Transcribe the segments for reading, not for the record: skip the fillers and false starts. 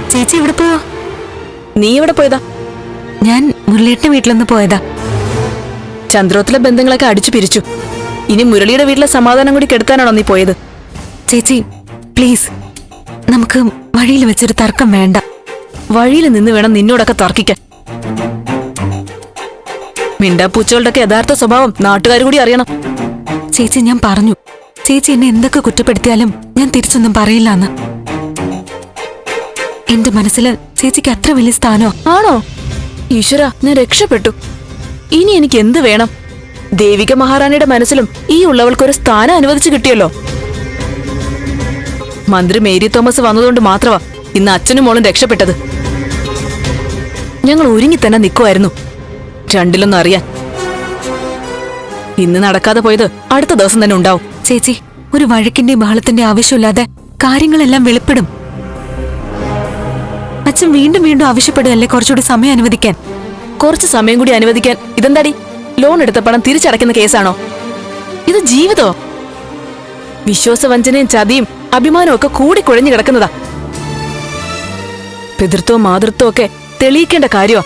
ചേച്ചി എവിടെ പോയോ? നീ എവിടെ പോയതാ? ഞാൻ മുരളിയുടെ വീട്ടിലൊന്ന് പോയതാ. ചന്ദ്രോത്തിലെ ബന്ധങ്ങളൊക്കെ അടിച്ചു പിരിച്ചു. ഇനി മുരളിയുടെ വീട്ടിലെ സമാധാനം കൂടി കെടുത്താനാണോ നീ പോയത്? ചേച്ചി പ്ലീസ്, നമുക്ക് വഴിയിൽ വെച്ചൊരു തർക്കം വേണ്ട. വഴിയിൽ നിന്ന് വേണം നിന്നോടൊക്കെ തർക്കിക്കാൻ. മിണ്ടാപ്പൂച്ചകളുടെ യഥാർത്ഥ സ്വഭാവം നാട്ടുകാർ കൂടി അറിയണം. ചേച്ചി ഞാൻ പറഞ്ഞു, ചേച്ചി എന്നെ എന്തൊക്കെ കുറ്റപ്പെടുത്തിയാലും ഞാൻ തിരിച്ചൊന്നും പറയില്ലാന്ന്. എന്റെ മനസ്സില് ചേച്ചിക്ക് അത്ര വലിയ സ്ഥാനോ? ആണോ? ഈശ്വര, ഞാൻ രക്ഷപ്പെട്ടു. ഇനി എനിക്ക് എന്ത് വേണം? ദേവിക മഹാറാണിയുടെ മനസ്സിലും ഈ ഉള്ളവൾക്കൊരു സ്ഥാനം അനുവദിച്ചു കിട്ടിയല്ലോ. മന്ത്രി മേരി തോമസ് വന്നതുകൊണ്ട് മാത്രമാ ഇന്ന് അച്ഛനും മോളും രക്ഷപ്പെട്ടത്. ഞങ്ങൾ ഒരുങ്ങി തന്നെ നിൽക്കുമായിരുന്നു രണ്ടിലൊന്നും അറിയാൻ. ഇന്ന് നടക്കാതെ പോയത് അടുത്ത ദിവസം തന്നെ ഉണ്ടാവും. ചേച്ചി, ഒരു വഴക്കിന്റെ ബഹളത്തിന്റെ ആവശ്യമില്ലാതെ കാര്യങ്ങളെല്ലാം വെളിപ്പെടും. അച്ഛൻ വീണ്ടും വീണ്ടും ആവശ്യപ്പെടുകയല്ലേ കുറച്ചുകൂടി സമയം അനുവദിക്കാൻ. കുറച്ച് സമയം കൂടി അനുവദിക്കാൻ ഇതെന്താടി? ലോൺ എടുത്ത പണം തിരിച്ചടയ്ക്കുന്ന കേസാണോ ഇത്? ജീവിതോ? വിശ്വാസവഞ്ചനയും ചതിയും അഭിമാനവും ഒക്കെ കൂടി കുഴഞ്ഞു കിടക്കുന്നതാ. പിതൃത്വവും മാതൃത്വവും ഒക്കെ തെളിയിക്കേണ്ട കാര്യമാ.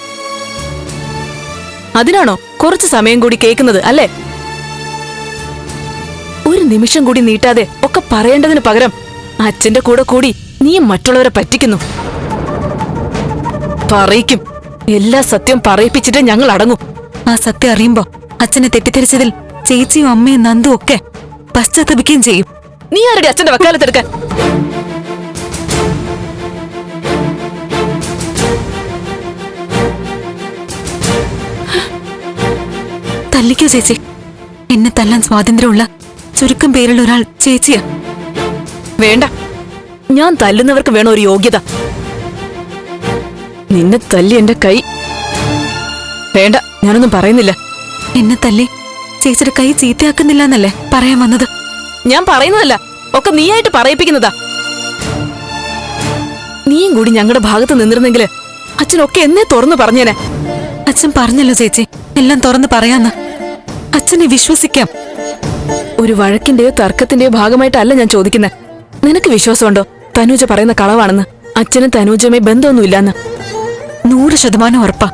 അതിനാണോ കുറച്ച് സമയം കൂടി കേൾക്കുന്നത് അല്ലേ? ഒരു നിമിഷം കൂടി നീട്ടാതെ ഒക്കെ പറയേണ്ടതിന് പകരം അച്ഛന്റെ കൂടെ കൂടി നീയും മറ്റുള്ളവരെ പറ്റിക്കുന്നു. പറയിക്കും, എല്ലാ സത്യം പറയിപ്പിച്ചിട്ട് ഞങ്ങൾ അടങ്ങും. ആ സത്യം അറിയുമ്പോ അച്ഛനെ തെറ്റിദ്ധരിച്ചതിൽ ചേച്ചിയും അമ്മയും നന്ദും ഒക്കെ പശ്ചാത്തപിക്കുകയും ചെയ്യും. നീ ആരുടെ അച്ഛന്റെ വക്കാലത്തെടുക്കാൻ? തല്ലിക്കോ ചേച്ചി. എന്നെ തല്ലാൻ സ്വാതന്ത്ര്യമുള്ള ചുരുക്കം പേരുള്ള ഒരാൾ ചേച്ചിയാ. വേണ്ട, ഞാൻ തല്ലുന്നവർക്ക് വേണം ഒരു യോഗ്യത. നിന്നെ തല്ലി എന്റെ കൈ. വേണ്ട, ഞാനൊന്നും പറയുന്നില്ല. എന്നെ തല്ലി ചേച്ചിയുടെ കൈ ചീത്തയാക്കുന്നില്ല എന്നല്ലേ പറയാൻ വന്നത്? ഞാൻ പറയുന്നതല്ല, ഒക്കെ നീയായിട്ട് പറയിപ്പിക്കുന്നതാ. നീയും കൂടി ഞങ്ങളുടെ ഭാഗത്ത് നിന്നിരുന്നെങ്കില് അച്ഛനൊക്കെ എന്നെ തുറന്നു പറഞ്ഞേനെ. അച്ഛൻ പറഞ്ഞല്ലോ ചേച്ചി, എല്ലാം തുറന്ന് പറയാന്ന്. അച്ഛനെ വിശ്വസിക്കാം. ഒരു വഴക്കിന്റെയോ തർക്കത്തിന്റെയോ ഭാഗമായിട്ടല്ല ഞാൻ ചോദിക്കുന്നത്. നിനക്ക് വിശ്വാസമുണ്ടോ തനൂജ പറയുന്ന കളവാണെന്ന്? അച്ഛനും തനൂജയുമായി ബന്ധമൊന്നുമില്ലാന്ന്? 100% ഉറപ്പാ.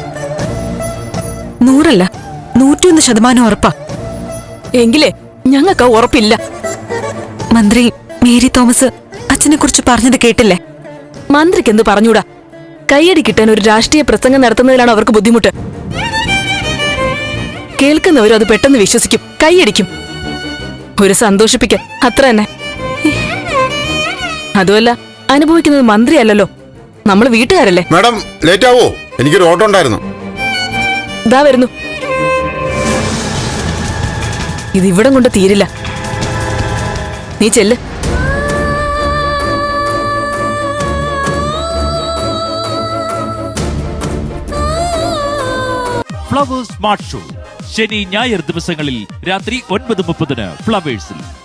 100 101% ഉറപ്പാ. എങ്കിലേ ഞങ്ങൾക്ക് ഉറപ്പില്ല. മന്ത്രി മേരി തോമസ് അച്ഛനെ കുറിച്ച് പറഞ്ഞത് കേട്ടില്ലേ? മന്ത്രിക്ക് എന്ത് പറഞ്ഞൂടാ? കയ്യടി കിട്ടാൻ ഒരു രാഷ്ട്രീയ പ്രസംഗം നടത്തുന്നതിലാണ് അവർക്ക് ബുദ്ധിമുട്ട്. കേൾക്കുന്നവരും അത് പെട്ടെന്ന് വിശ്വസിക്കും, കൈയടിക്കും. ഒരു സന്തോഷിപ്പിക്കാൻ, അത്ര തന്നെ. അതുമല്ല, അനുഭവിക്കുന്നത് മന്ത്രിയല്ലല്ലോ, നമ്മൾ വീട്ടുകാരല്ലേ. മാഡം ലേറ്റ് ആവോ? എനിക്കൊരു ഓട്ടോ ഉണ്ടായിരുന്നു. ഇതാ വരുന്നു. ഇതിവിടം കൊണ്ട് തീരില്ല. നീ ചെല്ല്. ഫ്ലവേഴ്സ് സ്മാർട്ട് ഷോ ശനി ഞായർ ദിവസങ്ങളിൽ രാത്രി 9:30 ഫ്ലവേഴ്സിൽ.